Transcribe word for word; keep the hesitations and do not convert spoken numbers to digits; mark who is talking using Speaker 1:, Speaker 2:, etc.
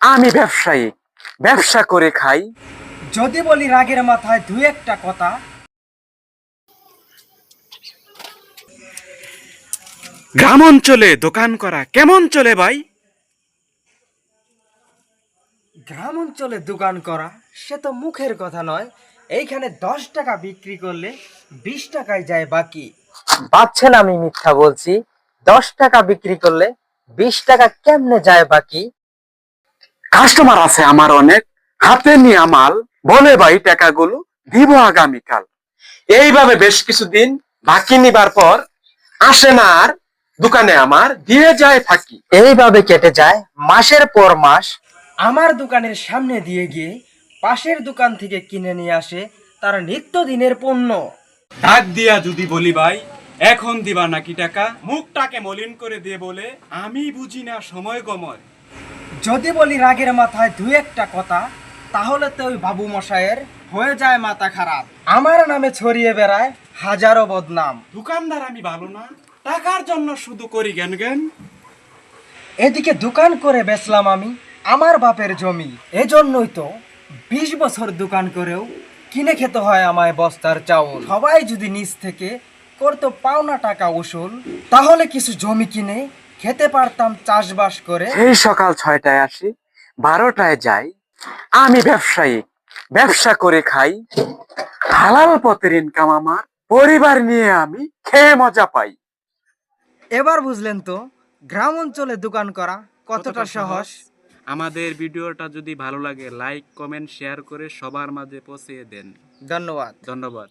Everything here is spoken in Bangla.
Speaker 1: আমি ব্যবসায়ী, ব্যবসা করে খাই।
Speaker 2: যদি বলি রাগের মাথায় দুই একটা কথা,
Speaker 1: গ্রাম অঞ্চলে দোকান করা কেমন চলে ভাই?
Speaker 2: গ্রাম অঞ্চলে দোকান করা সে তো মুখের কথা নয়। এইখানে দশ টাকা বিক্রি করলে বিশ টাকায় যায় বাকি। ভাবছেন আমি মিথ্যা বলছি? দশ টাকা বিক্রি করলে বিশ টাকা কেমনে যায় বাকি?
Speaker 1: কাস্টমার আছে আমার অনেক, হাতে নিয়ে মাল, বলে ভাই টাকাগুলো দিব আগামীকাল। এইভাবে বেশ কিছুদিন বাকি নিবার পর আসে না আর দোকানে, আমার দিয়ে যায় ফাঁকি।
Speaker 2: এইভাবে কেটে যায় মাসের পর মাস। আমার দোকানের সামনে দিয়ে গিয়ে পাশের দোকান থেকে কিনে নিয়ে আসে তার নিত্যদিনের পণ্য।
Speaker 1: ডাক দিয়া যদি বলি ভাই এখন দিবা নাকি টাকা, মুখটাকে মলিন করে দিয়ে বলে আমি বুঝি না সময় গময়।
Speaker 2: যদি বলি রাগের মাথায় দুই একটা কথা, তাহলে তো ওই বাবু মশাইয়ের হয়ে যায় মাথা খারাপ। আমার নামে ছড়িয়ে বেড়ায় হাজারো বদনাম।
Speaker 1: দোকানদার আমি ভালো না, টাকার জন্য শুধু করি জ্ঞান জ্ঞান।
Speaker 2: এদিকে দোকান করে বেচলাম আমি আমার বাপের জমি। এজন্যই তো বিশ বছর দোকান করেও কিনে খেতে হয় আমায় বস্তার চাউল। সবাই যদি নিজ থেকে করতো পাওনা টাকা উসুল, তাহলে কিছু জমি কিনে খেতে পারতাম চাষবাস করে।
Speaker 1: সেই সকাল ছয়টায় আসি, বারোটায় যাই। আমি ব্যবসায়ী, ব্যবসা করে খাই। হালাল পথের ইনকাম আমার, পরিবার নিয়ে আমি খেয়ে মজা পাই।
Speaker 2: এবার বুঝলেন তো গ্রাম অঞ্চলে দোকান করা কতটা সহজ।
Speaker 1: আমাদের ভিডিওটা যদি ভালো লাগে লাইক কমেন্ট শেয়ার করে সবার মাঝে পৌঁছে দেন।
Speaker 2: ধন্যবাদ।
Speaker 1: ধন্যবাদ।